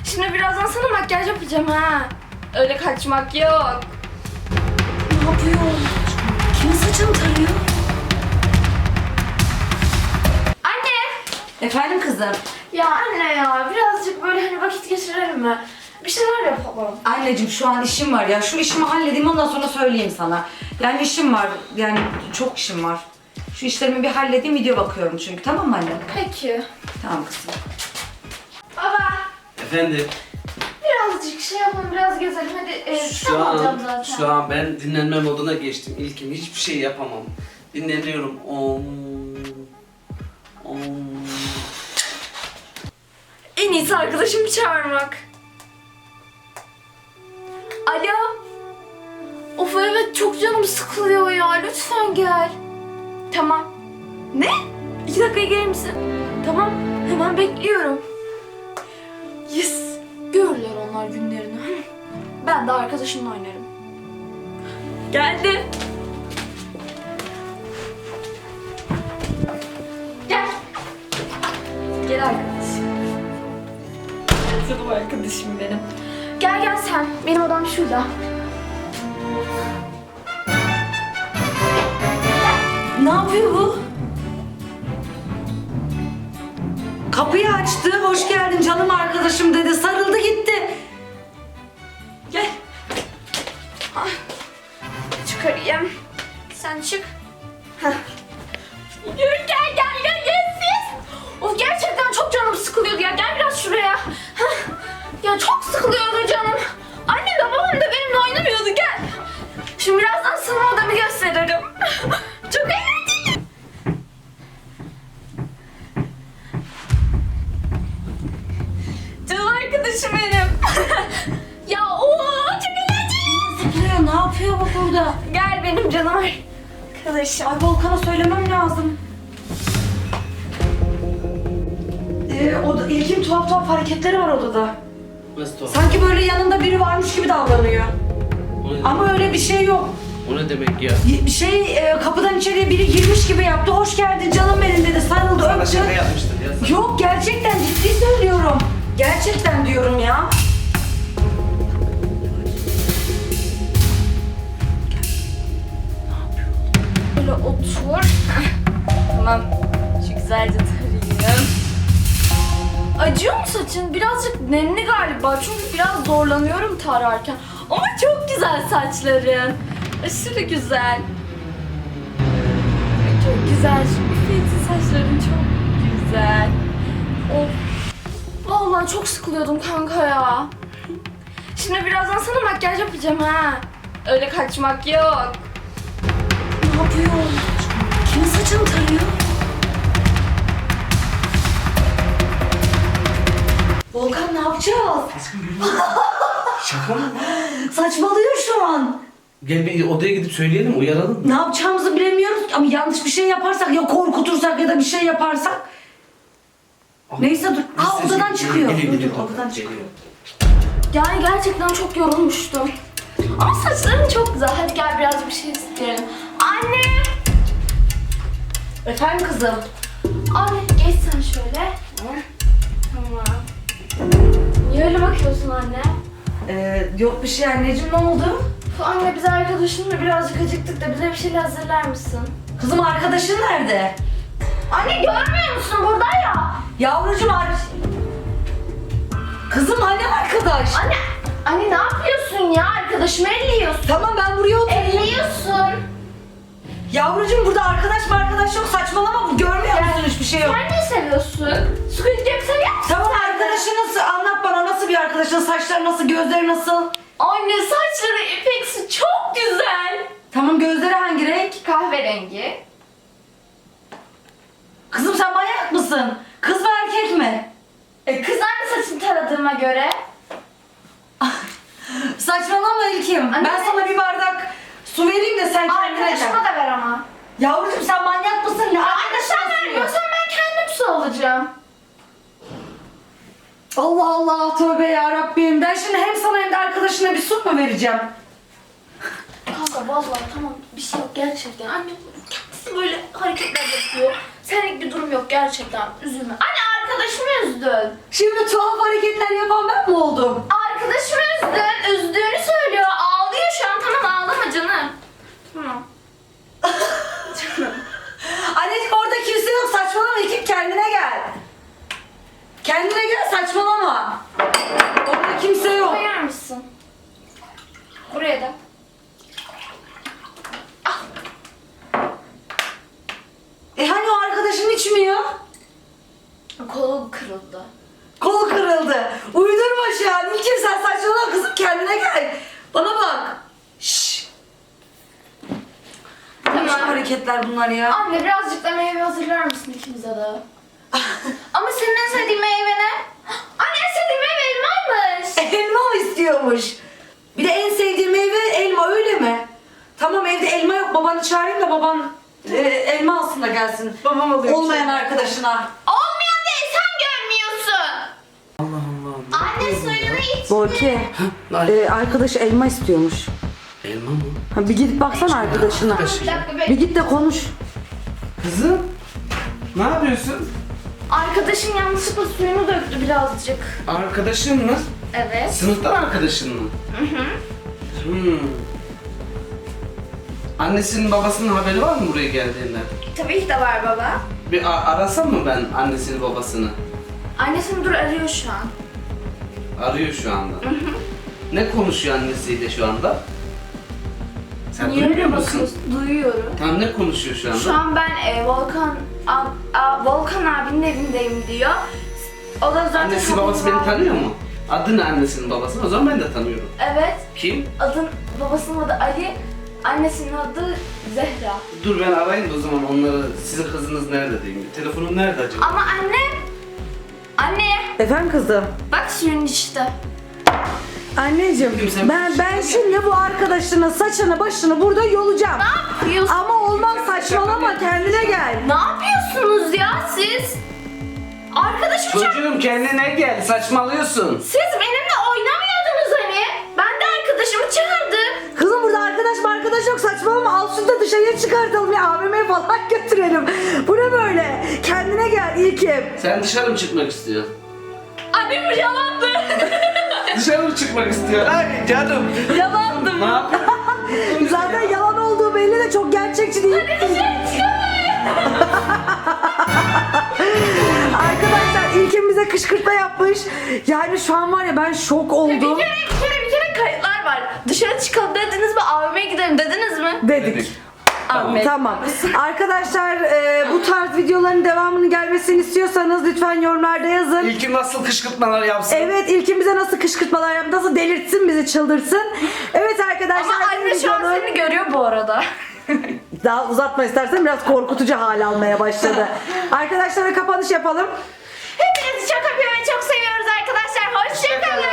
Şimdi birazdan sana makyaj yapacağım ha. Öyle kaçmak yok. Ne yapıyor? Kimin saçını tarıyor? Anne! Efendim kızım? Ya anne ya birazcık böyle hani vakit geçirelim mi? Bir şeyler yapalım. Anneciğim şu an işim var ya. Şu işimi halledeyim ondan sonra söyleyeyim sana. Yani işim var. Yani çok işim var. Şu işlerimi bir halledeyim, video bakıyorum çünkü. Tamam mı anne? Peki. Tamam kızım. Baba Efendim, birazcık şey yapalım, biraz gezelim. Hadi kitap alacağım zaten. şu an ben dinlenme moduna geçtim. İlkim hiçbir şey yapamam. Dinleniyorum. En iyisi arkadaşımı çağırmak. Alo. Of evet çok canım sıkılıyor ya. Lütfen gel. Tamam. Ne? 2 dakikaya gelir misin? Tamam. Hemen bekliyorum. Yes. Görürler onlar günlerini. Ben de arkadaşımla oynarım. Geldim. Gel. Gel arkadaşım. Canım arkadaşım benim. Gel gel sen. Benim odam şurada. Ne yapıyor bu? Kapıyı açtı. Hoş geldin canım arkadaşım dedi. Sarıldı gitti. Gel. Ah. Çıkarayım. Sen çık. Heh. Yürü gel siz. Of gerçekten çok canım sıkılıyordu ya. Gel biraz şuraya. Heh. Ya çok sıkılıyordu canım. Annem de babam da benimle oynamıyordu. Gel. Şimdi birazdan sana odamı gösteririm. Çok eğlenceli. Canım arkadaşım benim. Ya çok eğlenceli. Zıplıyor. Ne yapıyor bu burada? Gel benim canım arkadaşım. Ay Volkan'a söylemem lazım. İlkin tuhaf hareketleri var odada. Nasıl tuhaf? Sanki böyle yanında biri varmış gibi davranıyor. O ne, Ama öyle bir şey yok. o ne demek ya? Bir şey kapıdan içeriye biri girmiş gibi yaptı. Hoş geldin canım benim dedi. Sarıldı, Sana öptü. şaka yapmıştır ya. Yok gerçekten ciddi söylüyorum. Gerçekten diyorum ya. Böyle otur. Tamam. Şu güzelce tarayayım. Acıyor mu saçın? Birazcık nemli galiba. Çünkü biraz zorlanıyorum tararken. Ama çok güzel saçların. Aşırı güzel. Çok güzel. Şu üfleyicin saçların çok güzel. Of. Vallahi çok sıkılıyordum kanka ya. Şimdi birazdan sana makyaj yapacağım ha. Öyle kaçmak yok. Ne yapıyor? Kimin saçını tarıyor? Volkan ne yapacağız? Şaka mı? Saçmalıyor şu an. Gel bir odaya gidip söyleyelim, uyaralım mı? Ne yapacağımızı bilemiyoruz ama yanlış bir şey yaparsak ya korkutursak ya da bir şey yaparsak. Neyse dur. Aa Sesi- odadan çıkıyor. Geliyor, Dur, odadan çıkıyor. Yani gerçekten çok yorulmuştum. Ama saçların çok güzel. Hadi gel biraz bir şey isteyelim. Anne! Efendim kızım. Anne geç sen şöyle. Tamam. Niye öyle bakıyorsun anne? Yok bir şey anneciğim, ne oldu? Anne biz arkadaşımla birazcık acıktık da bize bir şeyler hazırlar mısın? Kızım arkadaşın nerede? Anne görmüyor musun burada ya? Yavrucuğum Kızım hani arkadaş? Anne ne yapıyorsun ya? Arkadaşımı elliyorsun. Tamam ben buraya oturayım. Elliyorsun. Yavrucuğum burada arkadaş yok, saçmalama, görmüyor musun hiçbir şey yok. Sen ne seviyorsun? Squid Game seviyor musun? Tamam arkadaşınız anlat bana, nasıl bir arkadaşın, saçları nasıl, gözleri nasıl? Anne saçları ipeksi çok güzel. Tamam gözleri hangi renk? Kahverengi. Kızım sen manyak mısın? Kız mı erkek mi? Kız anne saçını taradığıma göre. Saçmalama İlkim. Anne. Ben sana bir bardak su vereyim de sen kendine Arkadaşıma gel. da ver ama. Yavrucuğum sen manyak mısın? Ne Arkadaşlar vermiyorsan ben kendim su alacağım. Allah Allah, tövbe ya Rabbim. Ben şimdi hem sana hem de arkadaşına bir su mu vereceğim? Kanka vallahi tamam bir şey yok gerçekten. Anne kendisi böyle hareketler yapıyor. Senlik bir durum yok gerçekten. Üzülme. Anne arkadaşımı üzdün. Şimdi tuhaf hareketler yapan ben mi oldum? ama. Orada kimse yok. Koyar mısın? Buraya da. Hani o arkadaşın içmiyor? Kolu kırıldı. Kolu kırıldı. Uydurma şu an. İlkim sen saçmalama kızım, kendine gel. Bana bak. Şşş. Ne biçim hareketler bunlar ya? Anne birazcık da meyve hazırlar mısın ikimize de? Ama senin en sevdiğin meyve ne? Anne en sevdiğin meyve elmaymış. Elma mı istiyormuş? Bir de en sevdiğim meyve elma, öyle mi? Tamam, evde elma yok. Babanı çağırayım da baban elma alsın da gelsin. Babam alıyor. Olmayan arkadaşına. Olmuyor değil, sen görmüyorsun. Allah Allah. Anne suyunu iç. Borki, arkadaş elma istiyormuş. Elma mı? Ha, bir gidip baksana arkadaşına. Bir dakika Bir bekle. git de konuş. Kızım. Ne yapıyorsun? Arkadaşın yanlışlıkla suyunu döktü birazcık. Arkadaşın mı? Evet. Sınıfta arkadaşın mı? Annesinin babasının haberi var mı buraya geldiğinden? Tabii ki de var baba. Bir arasam mı ben annesini babasını? Annesini dur arıyor şu an. Arıyor şu anda. Ne konuşuyor annesiyle şu anda? Sen Niye duymuyor öyle musun? bakıyorsun? Duyuyorum. Tam ne konuşuyor şu anda? Şu an ben Volkan abinin evindeyim diyor. O da zaten Annesi babası beni tanıyor mu? Adı ne annesinin babasının? O zaman ben de tanıyorum. Evet. Kim? Babasının adı Ali, annesinin adı Zehra. Dur ben arayayım da o zaman onları, sizin kızınız nerede diyeyim. Telefonun nerede acaba? Ama anne, Efendim kızım. bak suyun işte. Anneciğim, Kimse- ben şimdi bu arkadaşının saçını başını burada yolacağım. Ne yapıyorsun? Ama olmaz, saçmalama, kendine gel. Ne yapıyorsunuz ya siz? Arkadaşım çok... Çocuğum kendine gel, saçmalıyorsun. Siz benimle oynamıyordunuz hani. Ben de arkadaşımı çağırdım. Kızım burada arkadaş yok, saçmalama, al şunu da dışarıya çıkartalım ya, AVM'ye falan götürelim. Bu ne böyle? Kendine gel İlkim. Sen dışarı mı çıkmak istiyorsun? Annem bu yalandı. Dışarı mı çıkmak istiyor? Ay canım. Yalandı Ne yapıyorsun? Zaten yalan olduğu belli de çok gerçekçi değil. Arkadaşlar İlkim bize kışkırtma yapmış. Yani şu an var ya, ben şok oldum. Bir kere kayıtlar var. Dışarı çıkalım dediniz mi? AVM'ye gidelim dediniz mi? Dedik. Ahmet. Tamam. Arkadaşlar bu tarz videoların devamının gelmesini istiyorsanız lütfen yorumlarda yazın. İlkim nasıl kışkırtmalar yapsın? Evet, İlkim bize nasıl kışkırtmalar yaptı, nasıl delirtsin bizi, çıldırsın. Evet arkadaşlar. Ama anne şu an seni görüyor bu arada. Daha uzatma istersen, biraz korkutucu hal almaya başladı. Arkadaşlara kapanış yapalım. Hepinizi çok öpüyorum ve çok seviyoruz arkadaşlar. Hoşçakalın.